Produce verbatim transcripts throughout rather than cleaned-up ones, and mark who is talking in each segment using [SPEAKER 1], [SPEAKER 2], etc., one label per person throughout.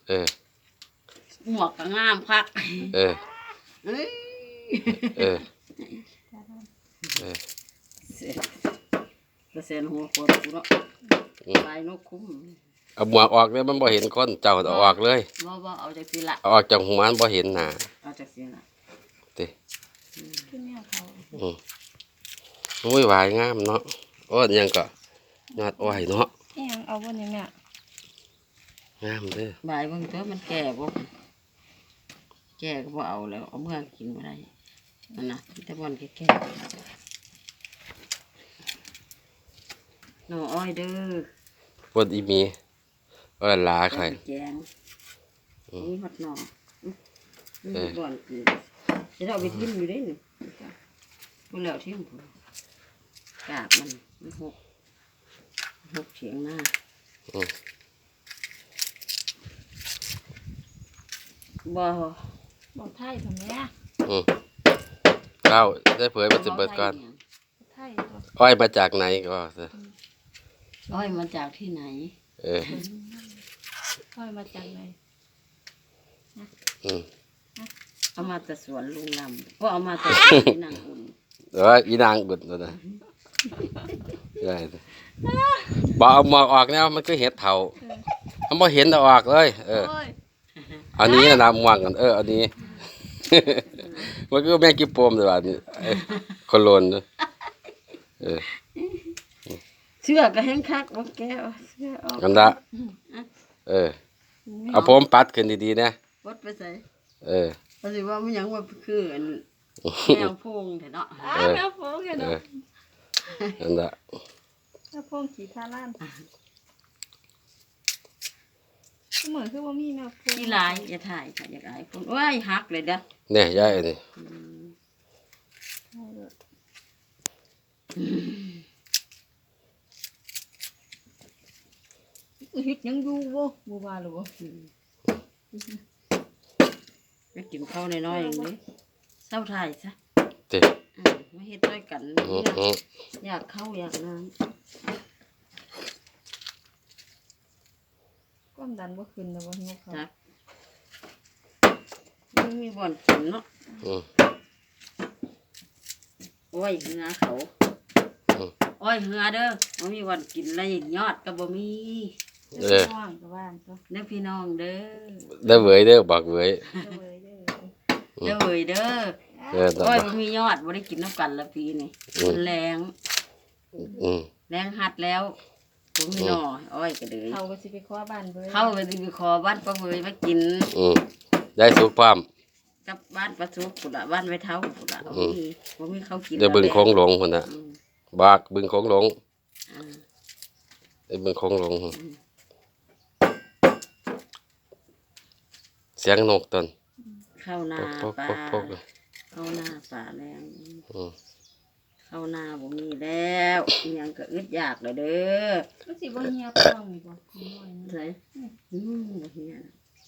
[SPEAKER 1] เออ
[SPEAKER 2] หมวกก็งามคัก
[SPEAKER 1] เออ
[SPEAKER 2] เอ้ย
[SPEAKER 1] เออเออ
[SPEAKER 2] เปอร์เซ็นต์หัวโคตรกูเนาะลายนกคุ้ม
[SPEAKER 1] เอาหมวกออกเลยมันบ่เห็นคนเจ้าเอาออกเลย
[SPEAKER 2] บ่บ่เอาจากสิละ
[SPEAKER 1] เอาออกจากหัวมันบ่เห็นหน้า
[SPEAKER 2] เอาจากสิละ
[SPEAKER 1] ติ
[SPEAKER 3] ขึ้นแนวเขา
[SPEAKER 1] อืมโอ้ยวายงามเนาะโอ้ยยังก็ยอดอ้อยเนาะ
[SPEAKER 3] แห้งเอาบนนี้แม่
[SPEAKER 1] งามเด้อ
[SPEAKER 2] บ่ายเบิ่งตัวมันแก่บ่แก่ก็บ่เอาแล้วเอาเมื่อกินบ่ได้นั่นน่ะแต่บ่อนแก่ๆหน่ออ้อยเด้อ
[SPEAKER 1] ปวดอีมีก็ลาใคร
[SPEAKER 2] แกงนี่ฮอดหน่อนี่บ่อนกินจะเอาไปทิ่มอยู่ได้นี่บ่แล้วทิ่มพุ่นกาบมันมันหกหกเฉียงหน้า
[SPEAKER 1] อืม
[SPEAKER 2] บ่
[SPEAKER 3] บอกไทยทำไมอ่ะ
[SPEAKER 1] อืมเก้าได้เผยมาสิบเบิดก่อน
[SPEAKER 3] ไทย
[SPEAKER 1] อ้อยมาจากไหนก็เถอะ
[SPEAKER 2] อ้อยมาจากที่ไหน
[SPEAKER 1] เออ
[SPEAKER 3] อ้อยมาจากไหน
[SPEAKER 1] อืม
[SPEAKER 2] เอามาแต่สวนลุงลำก็เอามาแต่สวนนางอุ่น
[SPEAKER 1] เอออีนางบุญนะใช่บอกเอาหมอกออกเนี่ยมันก็เห็ดเถามันบ่เห็นเอาออกเลยเอออันนี้นะหมวกกันเอออันนี้มันก็แม่งกิ๊บโปมเลยว่ะนี่คนโลนเออ
[SPEAKER 2] เสื้อก็แห้งคักบ่แก้วเสื้อออก
[SPEAKER 1] กันละเออเอาผมปัดขึ้นดีๆนะ
[SPEAKER 2] ปัดไปใส่
[SPEAKER 1] เออ
[SPEAKER 2] เพราะสิว่ามันยังว่าคือแมวโพงแท้เนาะ
[SPEAKER 3] อ้าแมวโพงเนาะ
[SPEAKER 1] นั่นละ
[SPEAKER 3] แมวโพงขี่ท่าล้านเหมือนคือว่ามีแมวโพง
[SPEAKER 2] ที่ลายอย่าถ่ายค่ะอยากอายคนโอ้ยหักเลยเด้อ
[SPEAKER 1] เนี่ยยายนี่
[SPEAKER 3] เฮ็ดยังอยู่บ่บ่ว่าหรอบ่
[SPEAKER 2] ไปกินข้าวน้อยๆอย่างนี้เศร้าถ่ายซะ
[SPEAKER 1] ติ
[SPEAKER 2] มาเฮ็ดด้วยกันอยากเข้าอยากน้ำ
[SPEAKER 3] ความดันบ่ขึ้นแล้วบ่หิวข้าว
[SPEAKER 2] จ้ะมันมีบ่อนกินเนาะโอ้ยเหือเขาโอ้ยเหือเด้อบ่มีบ่อนกินแล้วยอดก็บ่มี
[SPEAKER 1] เออ
[SPEAKER 2] เด้อพี่น้องเด้อ
[SPEAKER 1] เด้อเว้ยเด้อบอกเว้ย
[SPEAKER 2] เด้อเว้ยเด้อโอ้ยบ่มียอดบ่ได้กินน้ำกันละปีนี่มันแรงแรงหัดแล้วบ่มีหน่ออ้อยก็เด้อ
[SPEAKER 3] เขาก็สิไปขอบ้านเว้ย
[SPEAKER 2] เขาก็สิไปขอบ้านป้าเว้ยมากิน
[SPEAKER 1] อืมได้สุกพร้อม
[SPEAKER 2] กับบ้านป้าสุกพุ่นล่ะบ้านไว้เฒ่าพุ่นล่ะบ่มีบ่มีเขากิน
[SPEAKER 1] เดี๋ยวบึงโค้งหลงพุ่นน่ะบากบึงโค้งหลงไอ้บึงโค้งหลงเสียงนกตน
[SPEAKER 2] เข้าหน้าปลาเข้าหน้าปลาแรงเข้าหน้าบ่มีแล้วยังก็อึดอยากเลยเด้อ
[SPEAKER 3] มันสิบ่เหี่ยวป้องนี่บ่
[SPEAKER 2] ใช่อืมบ่เหี่ยว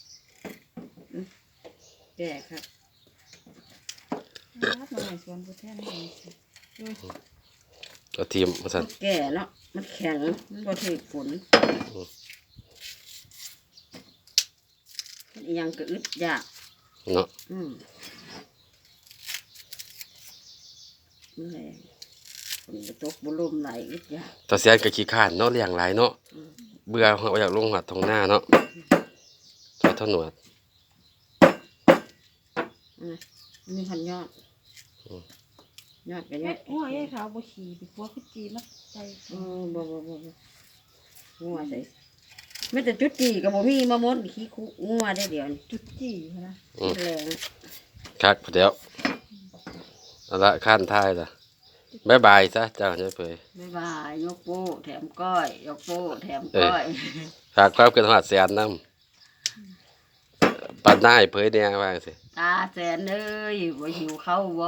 [SPEAKER 2] แก่ครับ
[SPEAKER 3] รับมาในสวนผู้แทนนี่
[SPEAKER 1] เอาทีมมาสั่น
[SPEAKER 2] แก่เนาะมันแข็งมันบ่ถึกฝนยังก็อึดอยาก
[SPEAKER 1] เนาะ
[SPEAKER 2] อืมแรงฝนตกบ่ลมไหลอึดอยาก
[SPEAKER 1] ตาเสียนก็ขี้ข้านเนาะเลี้ยงหลายเนาะเบื่อเอาอยากลงหัดทงหน้าเนาะใช้ท่อนหนวด
[SPEAKER 2] มีพันยอดยอดกันยอด
[SPEAKER 3] หัวไอ้ขาวบ่ขี่ไปหัวคือจีมัดใจ
[SPEAKER 2] เออบ่บ่บ่หัวใส่ไม่แต่จุดจีกับบ่มีมะม่วงขี้คุงัวได้เดี๋ยว
[SPEAKER 3] จุดจีนะ
[SPEAKER 2] แรง
[SPEAKER 1] คักเดี๋ยวเอาละขั้นท้ายละบ๊ายบายซะเจ้าเฉยเผย
[SPEAKER 2] บ๊ายบายยกโป้แถมก้อยยกโป้แถมก้อย
[SPEAKER 1] ฝากความเกินหัดแสนน้ำปัดหน้าให้เผยเนี่ยว่าสิ
[SPEAKER 2] ตาแสนเอ้ยบ่หิวข้าวบ่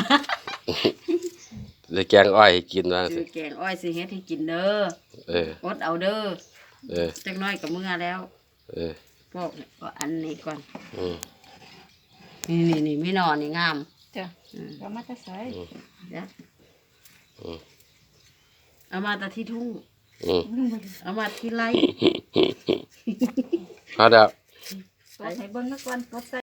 [SPEAKER 1] เลยแกงอ้อยให้กินว่าสิ
[SPEAKER 2] แกงอ้อยสิเฮ็ดให้กินเด้อเอออดเอาเด้อเออจักน้อยกับมื้อแล้วเออพวกก็อันนี้ก่อนอืมนี่นี่นี่ไม่นอนนี่งาม
[SPEAKER 3] จ้ะเอามาแต่ใส่
[SPEAKER 2] จ้ะเอามาแต่ที่ทุ่งเอามาที่ไร่
[SPEAKER 1] พอแล้ว
[SPEAKER 3] ตดให้เบิ่งซะก่อนตดใส่